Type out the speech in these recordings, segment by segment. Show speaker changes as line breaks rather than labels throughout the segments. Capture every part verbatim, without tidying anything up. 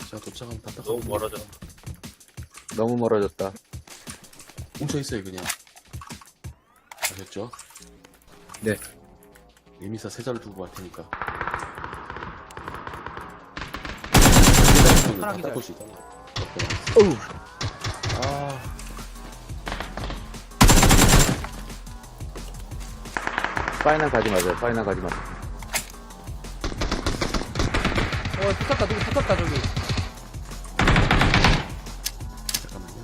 자, 도착하면 다
너무 멀어졌다.
너무 멀어졌다.
뭉쳐있어요, 그냥. 아셨죠?
네.
예미사 세자를 두고 갈 테니까.
하나
다
기절.
닦을 수 있다.
어우.
아,
파이널 가지 마세요. 파이널 가지 마세요.
어, 붙었다, 누구 붙었다, 저기.
잠깐만요.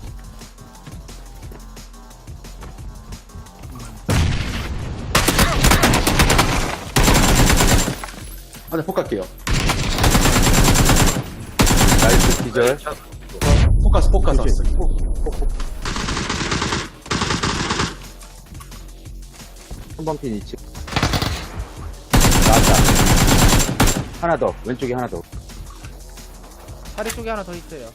아, 네, 폭 갈게요.
나이스 기절.
폭 가서, 폭 가서.
그치.
폭, 폭, 폭.
한 번 핀 이치. 나왔다. 하나 더. 왼쪽에 하나 더.
다리 쪽에 하나 더 있어요.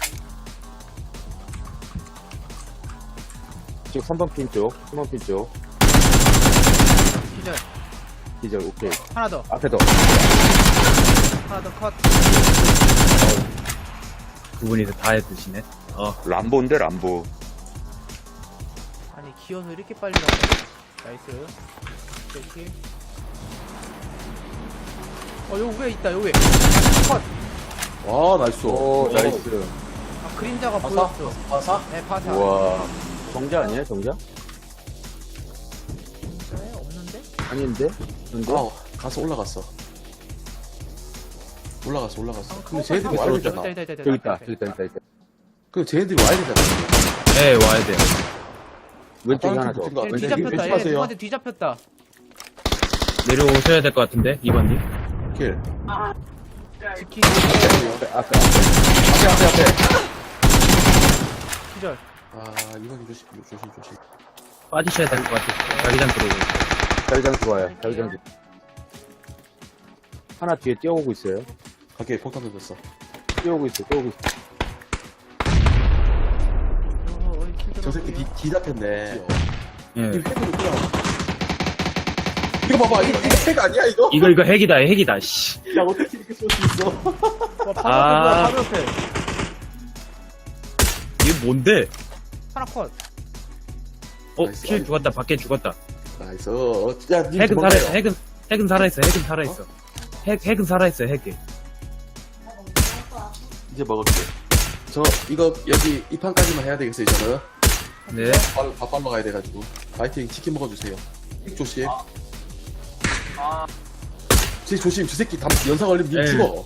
지금 삼 번 핀 쪽. 삼 번 핀 쪽.
기절.
기절. 오케이.
하나 더.
앞에 더.
하나 더 컷.
두 분이서 다 해드시네. 어.
람보인데 람보.
아니, 기어서 이렇게 빨리 가네. 나이스. 이렇게. 어, 요 위에 있다, 요 위에. 컷.
와, 나이스.
오 나이스.
아, 그림자가
파사?
보였어.
파사?
네, 파사.
우와. 정자 아니에요 정자?
네, 없는데?
아닌데? 근데?
아, 가서 올라갔어. 올라갔어, 올라갔어.
아,
근데
컷,
쟤네들이
컷,
와야
컷.
되잖아.
있다, 있다, 있다,
저기
있다,
있다. 저기 있다. 있다. 있다.
그 쟤네들이 와야 되잖아.
네, 와야 돼요.
왼쪽에
다른
하나
팀
더.
붙은 거
얘
왼쪽
뒤잡혔다. 얘
왼쪽
누구한테 뒤잡혔다.
내려오셔야 될 것 같은데, 이번님.
킬.
지키기.
앞에 앞에. 앞에.
앞에, 앞에, 앞에.
기절.
아, 이번이 조심, 조심, 조심.
빠지셔야 될 것 같아요. 자기장 들어오고.
자기장 좋아요. 자기장 좋. 하나 뒤에 뛰어오고 있어요.
갈게, 폭탄 던졌어.
뛰어오고 있어. 뛰어오고 있어.
어, 어, 킬
저 새끼 뒤,
들어갈게요.
뒤 잡혔네.
예.
이 핵으로 뛰어. 이거 봐봐, 이거, 이거 핵 아니야, 이거?
이거, 이거 핵이다, 핵이다, 씨.
야, 어떻게 이렇게 쏠 수 있어?
와, 바로
아.
앞에, 뭐야, 바로 옆에.
이게 뭔데?
하나 컷.
어,
나이스.
킬 죽었다, 밖에 죽었다.
나이스. 야, 니
핵은
도망가요.
살아있어, 핵은, 핵은 살아있어, 핵은 살아있어. 핵, 핵은 살아있어, 핵이.
이제 먹을게. 저, 이거, 여기, 이 판까지만 해야 되겠어요, 저는.
네.
바로, 밥 빨러 가야 돼가지고. 파이팅, 치킨 먹어주세요. 핵 조심. 쟤 조심, 저 새끼 담, 연사 걸리면 니
네.
죽어.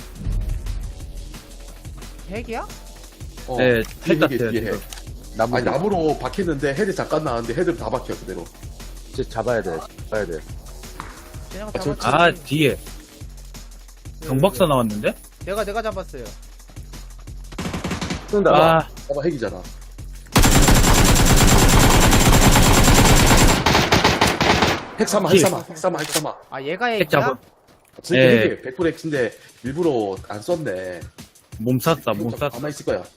핵이야?
어,
네,
뒤에
핵
핵이,
같아요,
뒤에
지금.
핵.
나무.
아니, 나무로 박혔는데 헤드 잠깐 나왔는데 헤드 다 박혀, 그대로.
진짜 잡아야 돼. 잡아야 돼.
쟤네가
아, 저-
잡았지.
아, 뒤에.
네,
경박사
네.
나왔는데?
내가, 내가 잡았어요.
쏜다.
아,
봐봐, 핵이잖아. 핵 삼아, 핵
킬.
삼아, 핵 삼아, 핵 삼아.
아, 얘가
핵
핵이야?
잡아.
저기
예.
핵이 백 퍼센트 핵인데 일부러 안 썼네.
몸 쐈다, 몸 쐈다.
가만히 있을 거야.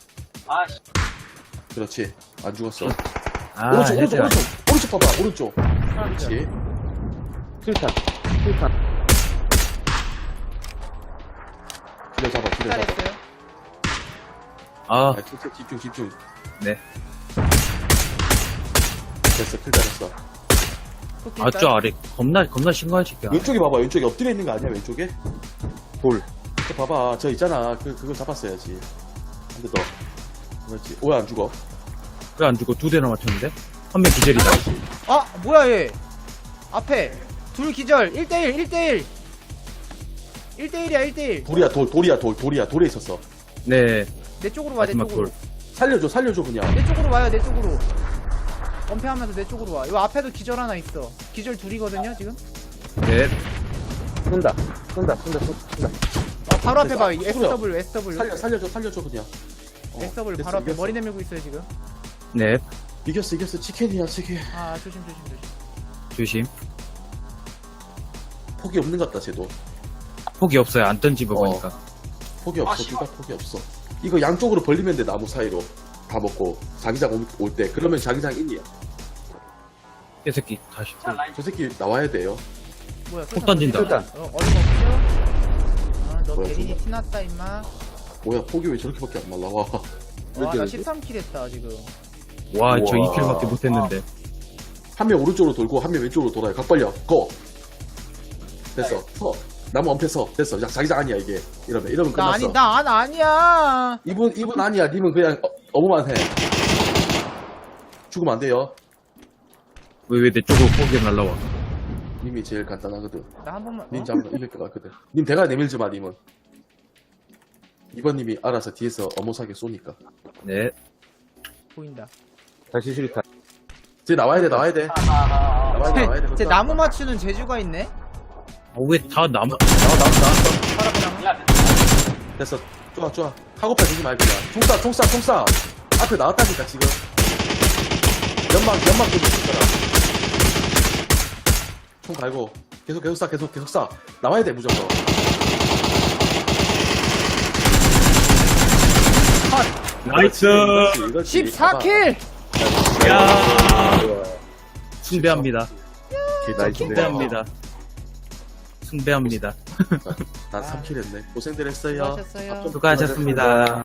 그렇지. 안 죽었어.
아,
오른쪽, 오른쪽,
핵이야.
오른쪽. 오른쪽 봐봐, 오른쪽.
하나 기절.
그렇지.
킬탄. 킬탄.
기대 잡아, 기대 잡아.
잘했어요.
아,
아, 집중, 집중, 집중.
네.
됐어, 클 잘했어.
또
아,
킬달.
저 아래. 겁나, 겁나 심각한 새끼야.
왼쪽에 봐봐, 왼쪽에 엎드려 있는 거 아니야, 왼쪽에?
돌.
저 봐봐, 저 있잖아. 그, 그걸 잡았어야지. 한 대 더. 그렇지. 왜 안 죽어?
왜 안 죽어? 두 대나 맞췄는데? 한 명 기절이다.
아, 뭐야, 얘. 앞에. 둘 기절. 일 대일, 일 대일. 일 대일이야, 일 대일.
돌이야, 돌, 돌이야, 돌, 돌이야, 돌에 있었어.
네.
내 쪽으로 와, 내
마지막
쪽으로.
돌.
살려줘, 살려줘, 그냥.
내 쪽으로 와요, 내 쪽으로. 엄폐하면서 내 쪽으로 와. 요 앞에도 기절 하나 있어. 기절 둘이거든요, 지금?
네.
쏜다. 쏜다. 쏜다. 쏜다.
아, 바로 앞에 봐.
됐어.
에스더블유, 에스더블유.
살려, 살려줘, 살려줘, 그냥. 어,
에스더블유
됐어,
바로 앞에
이겼어.
머리 내밀고 있어요, 지금.
네.
이겼어, 이겼어. 치킨이야, 치킨.
아, 조심, 조심, 조심.
조심.
폭이 없는 것 같다, 쟤도.
폭이 없어요. 안 던지고
어.
보니까.
폭이 없어, 둘 다 폭이 없어. 이거 양쪽으로 벌리면 돼, 나무 사이로. 다 먹고. 자기장 올 때. 그러면 자기장 인이야.
이 새끼, 다시.
저 새끼 나와야 돼요.
뭐야,
폭 던진다.
어, 어이가 없죠? 아, 너
뭐야,
대린이
저거.
티났다 임마.
뭐야, 폭이 왜 저렇게밖에 안 날라와.
와 나
이렇게
십삼 킬 했다 지금.
와, 저
우와.
이 킬밖에 못했는데.
한 명 오른쪽으로 돌고 한 명 왼쪽으로 돌아요. 각 벌려. 고. 됐어. 서. 나무 엄폐 서. 됐어. 자, 자기장 아니야 이게. 이러면 이러면
나
끝났어.
아니 나 안 아니야.
이분 이분 아니야. 님은 그냥 어, 어머만 해. 죽으면 안 돼요.
왜, 왜 내 쪽으로 포기 날라와?
님이 제일 간단하거든.
나 한 번만.
님
어?
잡으면 이길 것 같거든. 님 대가 내밀지 마, 님은. 이번 님이 알아서 뒤에서 어머사게 쏘니까.
네.
보인다.
다시 수류탄.
쟤 나와야 돼, 나와야 돼. 나와야 돼, 나와야 돼.
제 나무 맞추는 재주가 있네.
아, 왜 다 나무,
나와, 나와, 나왔어.
파라비랑.
됐어. 좋아, 좋아. 카고팔 주지 말고 그냥. 총 쏴, 총 쏴, 총 쏴. 앞에 나왔다니까, 지금. 연막, 연막 좀 있을 거라. 총 갈고. 계속, 계속 쏴, 계속, 계속 쏴. 나와야 돼, 무조건.
나이스!
이거지, 이거지.
십사 킬.
야 숭배합니다.
나이스.
숭배합니다. 숭배합니다.
난 삼 킬 했네. 고생들 했어요.
수고하셨어요.
앞좀
수고하셨습니다.